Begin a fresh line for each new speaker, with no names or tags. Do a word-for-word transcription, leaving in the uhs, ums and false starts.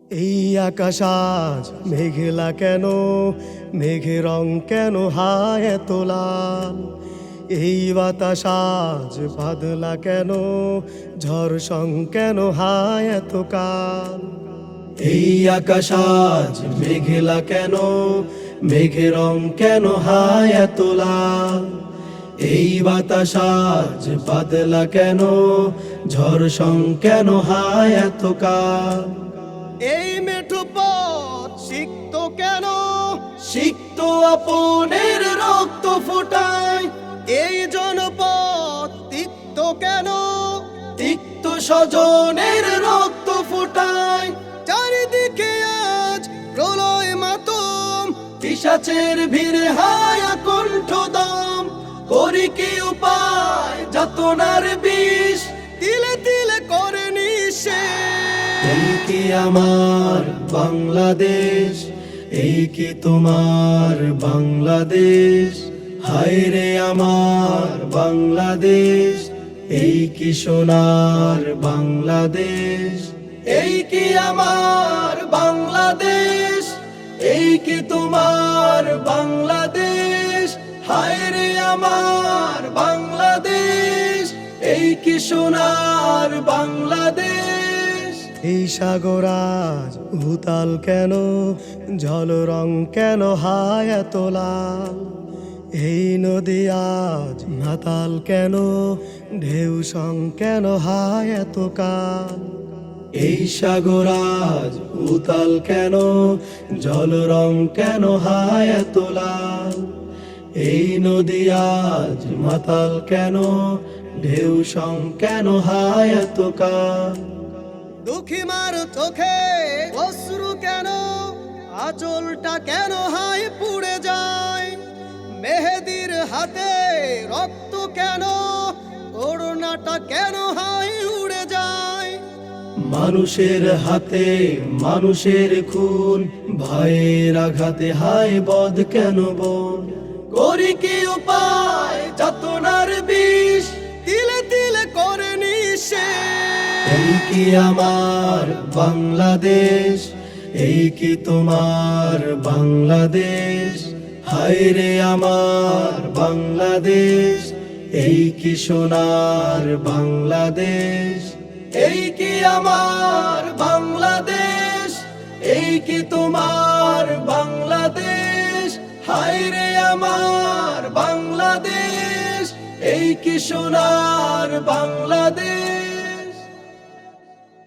এই আকাশ আজ মেঘলা কেন, মেঘের রং কেন হায় এত লাল? এই বাতাস আজ বাদলা কেন, ঝড় সং কেন হায় এত কাল? এই আকাশ আজ মেঘলা কেন, মেঘের রং কেন হায় এত লাল? এই বাতাস আজ বাদলা কেন, ঝড় সং কেন হায় এত কাল? এই মেঠো পথ সিক্ত কেন, সিক্ত আপনের রক্ত ফোটায়। এই জনপদ তিক্ত কেন, তিক্ত স্বজনের রক্ত ফোটায়। চারিদিকে আজ প্রলয় মাতম, পিশাচের ভিড়ে হায়া কণ্ঠদম। করি কি উপায় যাতনার বিষ, তিলে তিলে করে নিঃশেষ। এই কি আমার বাংলাদেশ, এই কি তোমার বাংলাদেশ? হায় রে আমার বাংলাদেশ, এই কি সোনার বাংলাদেশ? এই কি আমার বাংলাদেশ, এই কি তোমার বাংলাদেশ? হায় রে আমার বাংলাদেশ, এই কি সোনার বাংলাদেশ? এই সাগর আজ উতাল কেন, জল রং কেন হায় এত লাল? এই নদী আজ মাতাল কেন, ঢেউ সং কেন হায় এত কাল? এই সাগর আজ উতাল কেন, জল রং কেন হায় এত লাল? এই নদী আজ মাতাল কেন, ঢেউ সং কেন হায় এত কাল? দুঃখী মার চোখে অশ্রু কেন, আঁচলটা কেন হায় পুড়ে যায়? মেহেদির হাতে রক্ত কেন, করুণাটা কেন হায় উড়ে যায়? মানুষের হাতে মানুষের খুন, ভয়ের আঘাতে হায় বধ কেন বোন? করি কি উপায় যাতনার বিষ, তিলে তিলে করে নিঃশেষ। এই কি আমার বাংলাদেশ, এই কি তোমার বাংলাদেশ? হায় রে আমার বাংলাদেশ, এই কি সোনার বাংলাদেশ? এই কি আমার বাংলাদেশ, এই কি তোমার বাংলাদেশ? হায় রে আমার বাংলাদেশ, এই কি সোনার বাংলাদেশ?